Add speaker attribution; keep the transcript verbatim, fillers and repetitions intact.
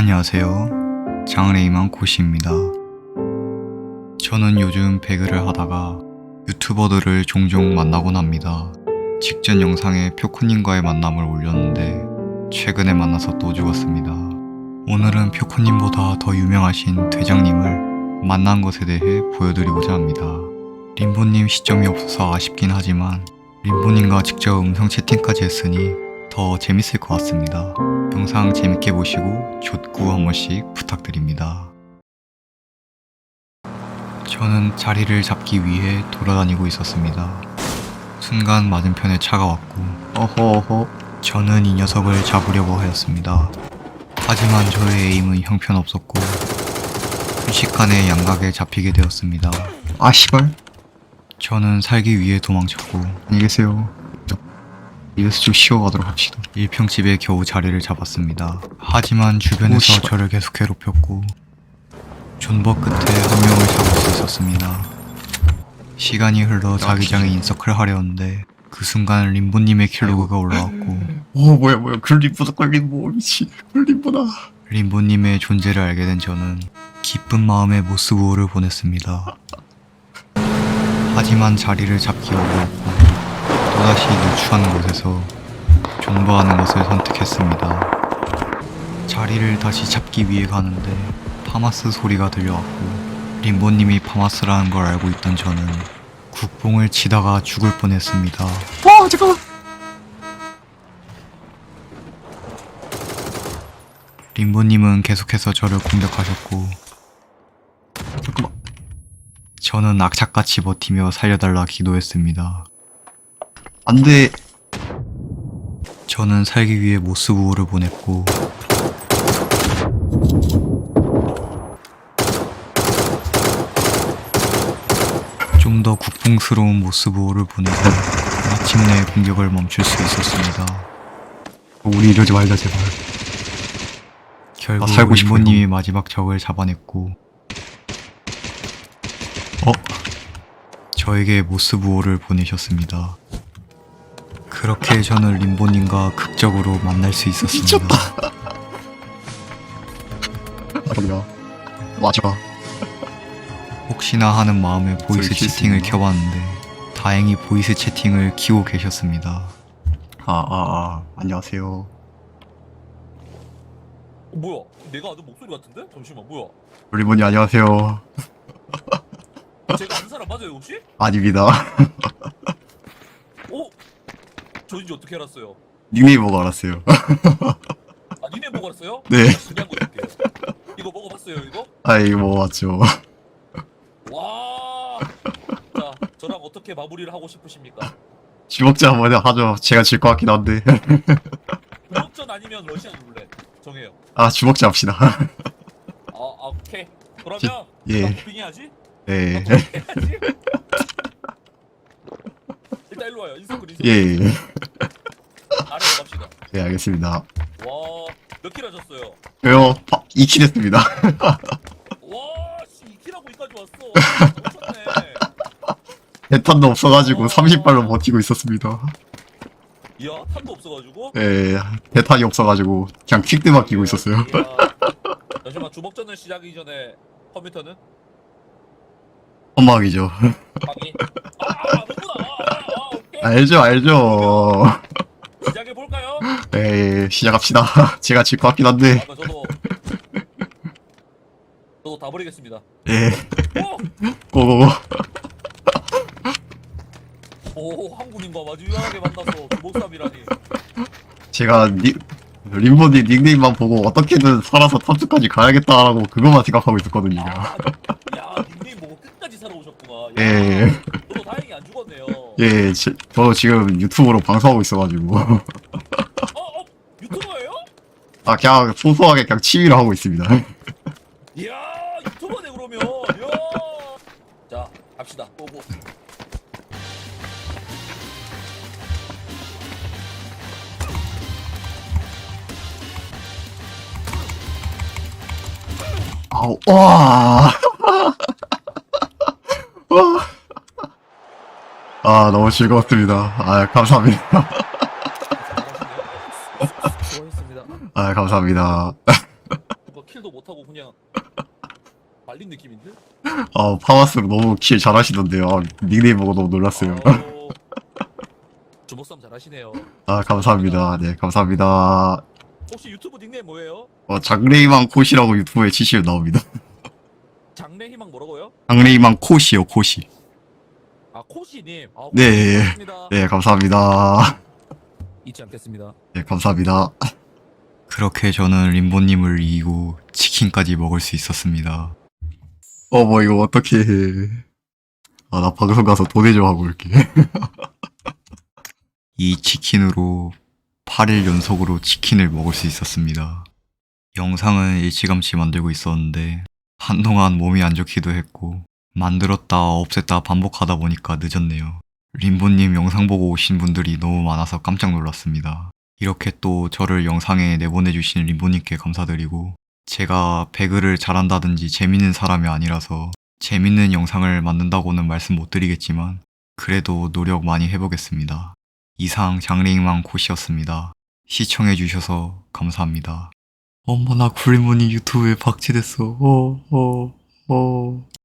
Speaker 1: 안녕하세요. 장래희망 고시입니다. 저는 요즘 배그를 하다가 유튜버들을 종종 만나곤 합니다. 직전 영상에 표코님과의 만남을 올렸는데 최근에 만나서 또 죽었습니다. 오늘은 표코님보다 더 유명하신 대장님을 만난 것에 대해 보여드리고자 합니다. 림보님 시점이 없어서 아쉽긴 하지만 림보님과 직접 음성 채팅까지 했으니 더 재밌을 것 같습니다. 영상 재밌게 보시고 족구 한 번씩 부탁드립니다. 저는 자리를 잡기 위해 돌아다니고 있었습니다. 순간 맞은편에 차가 왔고 어허어허 저는 이 녀석을 잡으려고 하였습니다. 하지만 저의 에임은 형편없었고 순식간에 양각에 잡히게 되었습니다. 아 씨발. 저는 살기 위해 도망쳤고 안녕히 계세요. 이래서 좀 쉬어가도록 합시다. 일평집에 겨우 자리를 잡았습니다. 하지만 주변에서 오, 저를 계속 괴롭혔고 존버 끝에 한 명을 잡을 수 있었습니다. 시간이 흘러 자기장에 인서클 하려는데 그 순간 림보님의 킬로그가 올라왔고
Speaker 2: 오 뭐야 뭐야 글림보다 걸림보 미치 글림보다.
Speaker 1: 림보님의 존재를 알게 된 저는 기쁜 마음에 모스부호를 보냈습니다. 하지만 자리를 잡기 어려웠고 또다시 누추한 곳에서 존버하는 것을 선택했습니다. 자리를 다시 잡기 위해 가는데 파마스 소리가 들려왔고 림보님이 파마스라는 걸 알고 있던 저는 국뽕을 치다가 죽을 뻔했습니다.
Speaker 2: 와 잠깐만.
Speaker 1: 림보님은 계속해서 저를 공격하셨고
Speaker 2: 잠깐만.
Speaker 1: 저는 악착같이 버티며 살려달라 기도했습니다.
Speaker 2: 안돼.
Speaker 1: 저는 살기 위해 모스부호를 보냈고 좀 더 국뽕스러운 모스부호를 보내고 마침내 공격을 멈출 수 있었습니다.
Speaker 2: 우리 이러지 말자 제발.
Speaker 1: 결국
Speaker 2: 아, 살고 싶어요.
Speaker 1: 림보님이 마지막 적을 잡아냈고 어? 저에게 모스부호를 보내셨습니다. 그렇게 저는 림보님과 극적으로 만날 수 있었습니다.
Speaker 2: 미쳤다. 아름가 맞아.
Speaker 1: 혹시나 하는 마음에 보이스
Speaker 2: 저희
Speaker 1: 채팅을
Speaker 2: 실수입니다.
Speaker 1: 켜봤는데 다행히 보이스 채팅을 키고 계셨습니다.
Speaker 2: 아아아 아, 안녕하세요.
Speaker 3: 어, 뭐야? 내가 아는 목소리 같은데? 잠시만, 뭐야?
Speaker 2: 글림보님 안녕하세요.
Speaker 3: 제가 아는 사람 맞아요, 혹시?
Speaker 2: 아닙니다.
Speaker 3: 어? 저인지 어떻게 알았어요?
Speaker 2: 닉네임 보고 알았어요.
Speaker 3: 아, 니네 보고 알았어요?
Speaker 2: 네.
Speaker 3: 신기한 거 줄게요. 이거 먹어봤어요, 이거?
Speaker 2: 아 이거 뭐 맞죠.
Speaker 3: 와! 자, 저랑 어떻게 마무리를 하고 싶으십니까?
Speaker 2: 주먹자 한번 하죠. 제가 질 것 같긴 한데.
Speaker 3: 주먹전 아니면 러시안 룰렛 정해요.
Speaker 2: 아 주먹자 합시다.
Speaker 3: 아, 아 오케이. 그러면
Speaker 2: 예.
Speaker 3: 나 도핑 해야지?
Speaker 2: 네.
Speaker 3: 나 도핑 해야지? 일단 일로 와요. 인서클 인서클.
Speaker 2: 예. 예.
Speaker 3: 아래로 갑시다.
Speaker 2: 네 알겠습니다.
Speaker 3: 와, 몇 킬 하셨어요?
Speaker 2: 저요 이 킬 했습니다.
Speaker 3: 와, 씨, 이 킬하고 이까지 왔어. 미쳤네.
Speaker 2: 대탄도 없어가지고 삼십 발로 버티고 있었습니다.
Speaker 3: 이야, 탄도 없어가지고.
Speaker 2: 예, 대탄이 없어가지고 그냥 퀵드만 끼고 있었어요.
Speaker 3: 이야. 잠시만, 주먹전을 시작하기 전에 컴퓨터는
Speaker 2: 험막이죠.
Speaker 3: 방이. 아, 아는구나. 아, 아, 오케이.
Speaker 2: 알죠, 알죠.
Speaker 3: 시작해 볼까요?
Speaker 2: 예, 시작합시다. 제가 질 것 같긴 한데.
Speaker 3: 아까 저도 저도 다 버리겠습니다.
Speaker 2: 예,
Speaker 3: 오,
Speaker 2: 고고고.
Speaker 3: 오, 한국인과 마주 유연하게 만나서 주먹싸움이라니.
Speaker 2: 제가 니, 림보님 닉네임만 보고 어떻게든 살아서 탑주까지 가야겠다라고 그것만 생각하고 있었거든요.
Speaker 3: 아, 야, 닉네임 보고 끝까지 살아오셨구나. 야,
Speaker 2: 예,
Speaker 3: 저도 다행히 안 죽었네요.
Speaker 2: 예, 제, 저도 지금 유튜브로 방송하고 있어가지고.
Speaker 3: 어, 어, 유튜버예요?
Speaker 2: 아, 그냥 소소하게 그냥 취미로 하고 있습니다.
Speaker 3: 이야, 유튜버네 그러면. 이야. 자, 갑시다. 고고.
Speaker 2: 아우, 와. 와. 아, 너무 즐거웠습니다. 아, 감사합니다.
Speaker 3: 수고하셨습니다.
Speaker 2: 아, 감사합니다.
Speaker 3: 이거 킬도 못하고 그냥 말린 느낌인데?
Speaker 2: 아, 파마스로 너무 킬 잘하시던데요. 아, 닉네임 보고 너무 놀랐어요.
Speaker 3: 아우, 주먹싸움 잘하시네요.
Speaker 2: 아, 감사합니다. 네, 감사합니다.
Speaker 3: 혹시 유튜브 닉네임 뭐예요?
Speaker 2: 어, 장래희망 콧이라고 유튜브에 치시면 나옵니다.
Speaker 3: 장래희망 뭐라고요?
Speaker 2: 장래희망 콧이요, 콧이.
Speaker 3: 아 코시님. 아,
Speaker 2: 네.
Speaker 3: 고맙습니다.
Speaker 2: 네, 감사합니다.
Speaker 3: 잊지 않겠습니다.
Speaker 2: 네, 감사합니다.
Speaker 1: 그렇게 저는 림보님을 이기고 치킨까지 먹을 수 있었습니다.
Speaker 2: 어, 뭐, 이거 어떻게 해. 아, 나 방송 가서 도내 좀 하고 올게.
Speaker 1: 이 치킨으로 팔 일 연속으로 치킨을 먹을 수 있었습니다. 영상은 일찌감치 만들고 있었는데 한동안 몸이 안 좋기도 했고 만들었다 없앴다 반복하다 보니까 늦었네요. 림보님 영상 보고 오신 분들이 너무 많아서 깜짝 놀랐습니다. 이렇게 또 저를 영상에 내보내주신 림보님께 감사드리고 제가 배그를 잘한다든지 재밌는 사람이 아니라서 재밌는 영상을 만든다고는 말씀 못 드리겠지만 그래도 노력 많이 해보겠습니다. 이상 장래희망 콧이었습니다. 시청해주셔서 감사합니다. 어머나 굴리문이 유튜브에 박치됐어. 어, 어, 어.